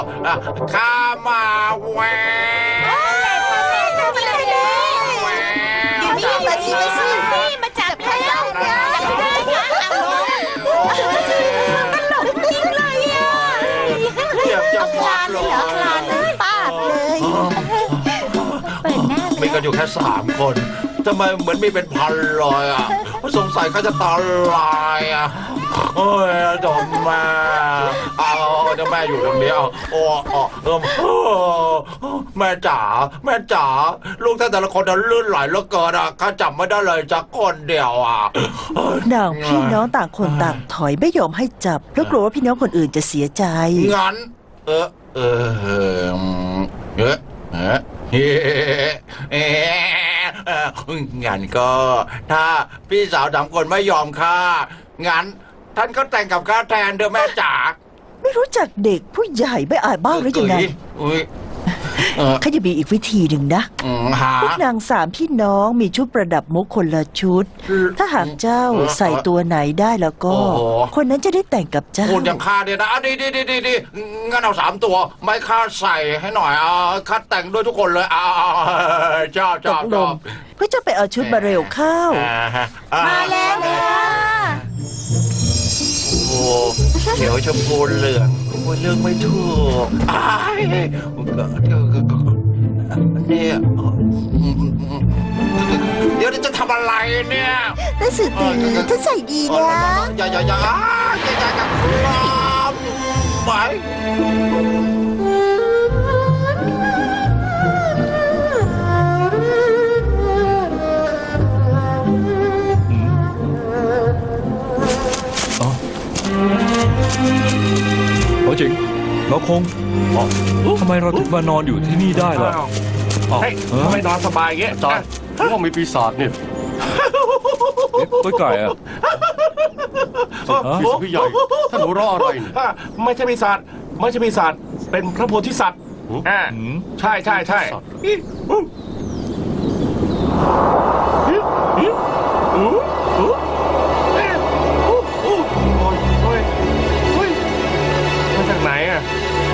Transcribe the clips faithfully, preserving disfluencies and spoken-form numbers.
ข้ามาแหวเดี๋ยวนี้มาสิมาสิมาจับได้แล้วจับได้ค่ะตลกจริงเลยอ่ะเจ็บจะคลานเลยเหรอคลานเลยปาดเลยเปิดหน้ามีกันอยู่แค่สามคนทำไมเหมือนมีเป็นพันเลยอ่ะสงสัยเขาจะตาลายอ่ะโอ้ยจอมแม่เอาเจ้าแม่อยู่ตรงนี้เอาโอ้โอ้เออแม่จ๋าแม่จ๋าลูกท่านแต่ละคนนั้นลื่นไหลเหลือเกินอ่ะข้าจับไม่ได้เลยจักคนเดียวอ่ะนางพี่น้องต่างคนต่างถอยไม่ยอมให้จับเพราะกลัวว่าพี่น้องคนอื่นจะเสียใจงั้นเออเออเออเออเฮ้เอ๊ะงั้นก็ถ้าพี่สาวสามคนไม่ยอมข้างั้นท่านก็แต่งกับข้าแทนเด้อแม่จ๋าไม่รู้จักเด็กผู้ใหญ่ไม่อายบ้างหรือยังไงข้าจะมีอีกวิธีหนึ่งนะพวกนางสามพี่น้องมีชุดประดับมุกคนละชุดถ้าหากเจ้าใส่ตัวไหนได้แล้วก็คนนั้นจะได้แต่งกับเจ้าคุณอย่างข้าเนี่ยนะดีดีดีดีงั้นเอาสามตัวไม่ข้าใส่ให้หน่อยอ่าข้าแต่งด้วยทุกคนเลยอ่าเจ้าเจ้าตกลงเพื่อจะไปเอาชุดมาเร็วเข้ามาแล้วนะโอ้เขียวชมพูเหลืองโอ้เลือกไม่ถูกอ้ายเนี่ยเดี๋ยวจะทำอะไรเนี่ยแต่สื่อตีฉันใส่ดีนะอย่าอย่าอย่าอย่าอย่ากับครับไปโอ้จริงเราคงทำไมเราถึงมานอนอยู่ที่นี่ได้ล่ะเฮ้ยทำไมนอนสบายอย่างเงี้ยจอนว่ามีปีศาจเนี่ยตัวไก่อะพี่พี่ใหญ่ท่านหัวเราะอะไรเนี่ยไม่ใช่ปีศาจไม่ใช่ปีศาจเป็นพระโพธิสัตว์อ่าใช่ใช่ใช่มาจากไหนอ่ะ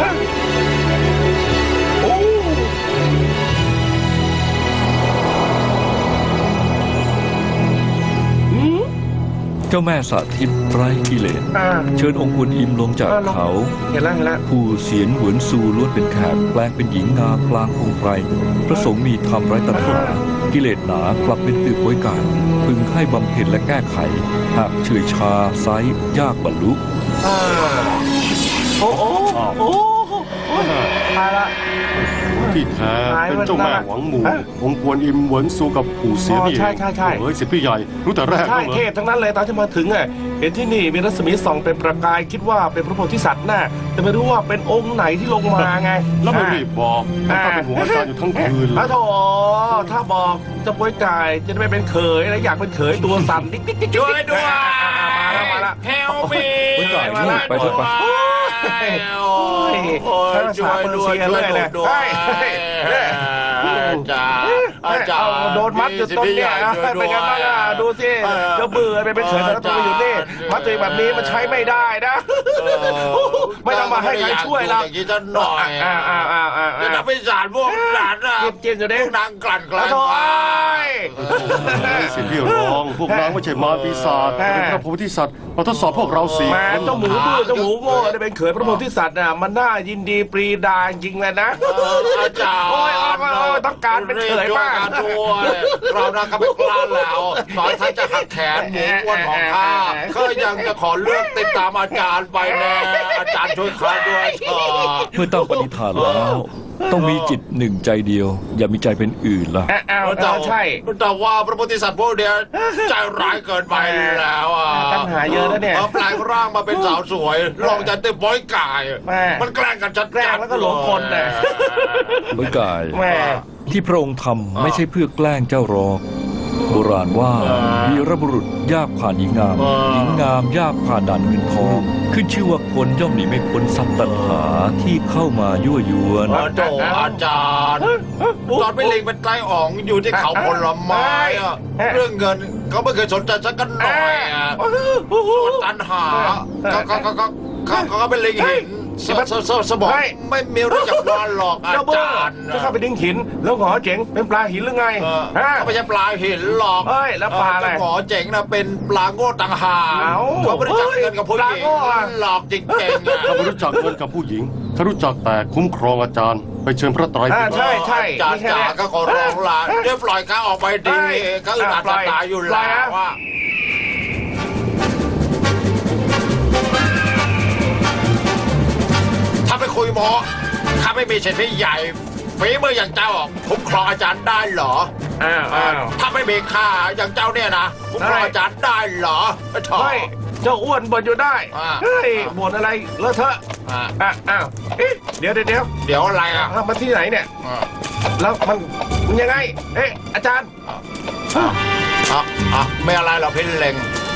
เจ้าแม่สาธิตไร้กิเลสเชิญองค์คุณอิมลงจากเขาเห็นแล้วเห็นแล้วผู้เสียนเหวินซูล้วนเป็นแขกแปลงเป็นหญิงงามกลางองค์ไพรพระสงฆ์มีธรรมไร้ตัณหากิเลสหนากลับเป็นตือป่วยการพึงให้บำเพ็ญและแก้ไขหากเฉื่อยชาไซยากบรรลุโอ้โอ้โอ้ตายละที่แท้เป็นเจ้าแม่หวังหมู่องค์กวนอิมเหวินซูกับปู่เสียนี่ใช่ใช่ใช่เฮ้ยสิพี่ใหญ่รู้แต่แรกใช่เทพทั้งนั้นเลยตอนที่มาถึงอ่ะเห็นที่นี่มีรัศมีส่องเป็นประกายคิดว่าเป็นพระโพธิสัตว์น่ะแต่ไม่รู้ว่าเป็นองค์ไหนที่ลงมาไงแล้วไม่รีบบอกถ้าเป็นหัวอาจารย์อยู่ทั้งคืนเลยโธ่ถ้าบอกจะป่วยกายจะไม่เป็นเขยแล้วอยากเป็นเขยตัวสั่นดิ๊กดิ๊กดิ๊กช่วยด้วยมาแล้วมาแล้วเฮลมีมาแล้วไปเถอะไปช่วยด้วยช่วยด้วยจ้าอาจารย์โดนมัดอยู่ตรงนี้เป็นไงบ้างอ่ะดูสิจะเบื่อไปเป็นเขยแล้วตัวอยู่นี่มัดตัวแบบนี้มันใช้ไม่ได้นะไม่ต้องมาให้ใครช่วยเราอย่างนี้จะหน่อยอ่าอ่าอ่าอ่าจะทำให้สารพวกนั้นอ่ะเจ็บอยู่เด้นางกลั่นกลั่นสิพี่รองพวกนางไม่ใช่มาปีศาจเป็นพระโพธิสัตว์มาทดสอบพวกเราสี่คนเจ้าหมูบื้อเจ้าหมูโง่ได้เป็นเขยพระโพธิสัตว์น่ะมันน่ายินดีปรีดาจริงเลยนะอาจารย์โอ้ยต้องการเป็นเขยมากเรานะก็ไม่กล้าแล้วตอนท่านจะหักแขนหมูอ้วนของข้าก็ยังจะขอเลือกติดตามอาจารย์ไปแน่อาจารย์ช่วยข้าด้วยเถอะเมื่อตั้งปณิธานแล้วต้องมีจิตหนึ่งใจเดียวอย่ามีใจเป็นอื่นล่ะแต่ใช่แต่ว่าพระโพธิสัตว์พวกเดียวใจร้ายเกินไปแล้วอ่ะปัญหาเยอะแล้วเนี่ยแปลงร่างมาเป็นสาวสวยลองจะเต็มบ้อยกายมันแกล้งกันชัดแกล้งแล้วก็หลงคนน่ะบ้อยกายที่พระองค์ทำไม่ใช่เพื่อแกล้งเจ้ารอกโบราณว่าวีรบุรุษยากผ่านหญิงงามหญิงงามยากผ่านด่านเงินทองขึ้นชื่อว่าคนย่อมหนีไม่พ้นสัตว์ตัณหาที่เข้ามายั่วยวนโอ้อาจารย์ตอนไม่เล็งเป็นไกลอ่องอยู่ที่เขาผลไม้เรื่องเงินเขาไม่เคยสนใจสักกันหน่อยส่วนตัณหาเขาเขาเขาเขาเขาเป็นเล็งเห็นสสสสมองไม่มีรู้จักวานหรอกอาเจ้าเบอจาร์รย์จะเข้าไปดึงหิน แล้วหงอเจ๋งเป็นปลาหินหรือไงเออฮะเขาไม่ใช่ปลาหินหรอกเอ้ยแล้วปลาอะไรเจ้หมอเจ๋งนะเป็นปลาโง่ต่างหากเอ้าเขาไม่ได้จับเงินกับผู้หปลาญิงโง่อะหลอกจริงๆอะข้าไม่รู้จักเงินกับผู้หญิงข้ารู้จักแต่คุ้มครองอาจารย์ ไปเชิญพระไตรปิอ่าฎกใช่ใช่อาจารย์จ๋าก็ขอร้องละเดี๋ยวปล่อยเขาออกไปดีเขาอึดอัดตายอยู่แล้วว่าถ้าไปคุยหมอข้าไม่มีเศรษฐีใหญ่ฝีมืออย่างเจ้าคุ้มครองอาจารย์ได้เหรออ้าวอ้าวถ้าไม่มีค่าอย่างเจ้าเนี่ยนะคุ้มครองอาจารย์ได้เหรอถอเฮ้ยเจ้าอ้วนบ่นอยู่ได้อ่าเฮ้ยบ่นอะไรเลอะเทอะอ่ะอ่ะอ้าวเอ๊ะเดี๋ยวเดี๋ยวเดี๋ยวเดี๋ยวอะไรอ่ะอ่ะมาที่ไหนเนี่ยอ่ะแล้วมันมันยังไง เอ๊ะอาจารย์อ่ะอ่ะไม่อะไรหรอกพี่เล็ง